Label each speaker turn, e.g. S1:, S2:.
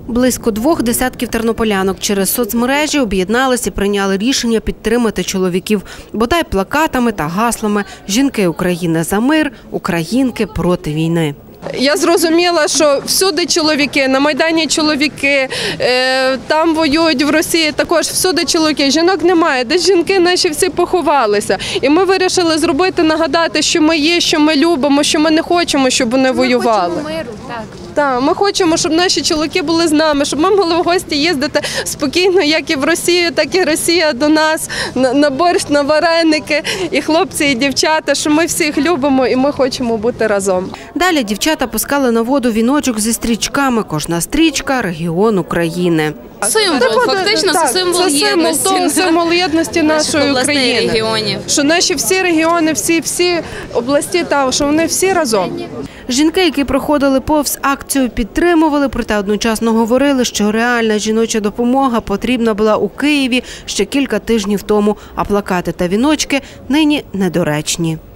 S1: Близько 2 десятків тернополянок через соцмережі об'єднались і прийняли рішення підтримати чоловіків, бодай плакатами та гаслами «Жінки України за мир, українки проти війни».
S2: Я зрозуміла, що всюди чоловіки, на Майдані чоловіки, там воюють в Росії, також всюди чоловіки. Жінок немає, десь жінки наші всі поховалися. І ми вирішили зробити, нагадати, що ми є, що ми любимо, що ми не хочемо, щоб вони воювали.
S3: Ми хочемо миру, так.
S2: Так, ми хочемо, щоб наші чоловіки були з нами, щоб ми могли в гості їздити спокійно, як і в Росію, так і Росія до нас, на борщ, на вареники, і хлопці, і дівчата, що ми всіх любимо і ми хочемо бути разом.
S1: Далі дівчата пускали на воду віночок зі стрічками. Кожна стрічка – регіон України.
S4: Символ, фактично, це символ єдності.
S2: Це символ єдності нашої України.
S4: Регіонів.
S2: Що наші всі регіони, всі області, що вони всі разом.
S1: Жінки, які проходили повз акцію, підтримували, проте одночасно говорили, що реальна жіноча допомога потрібна була у Києві ще кілька тижнів тому, а плакати та віночки нині недоречні.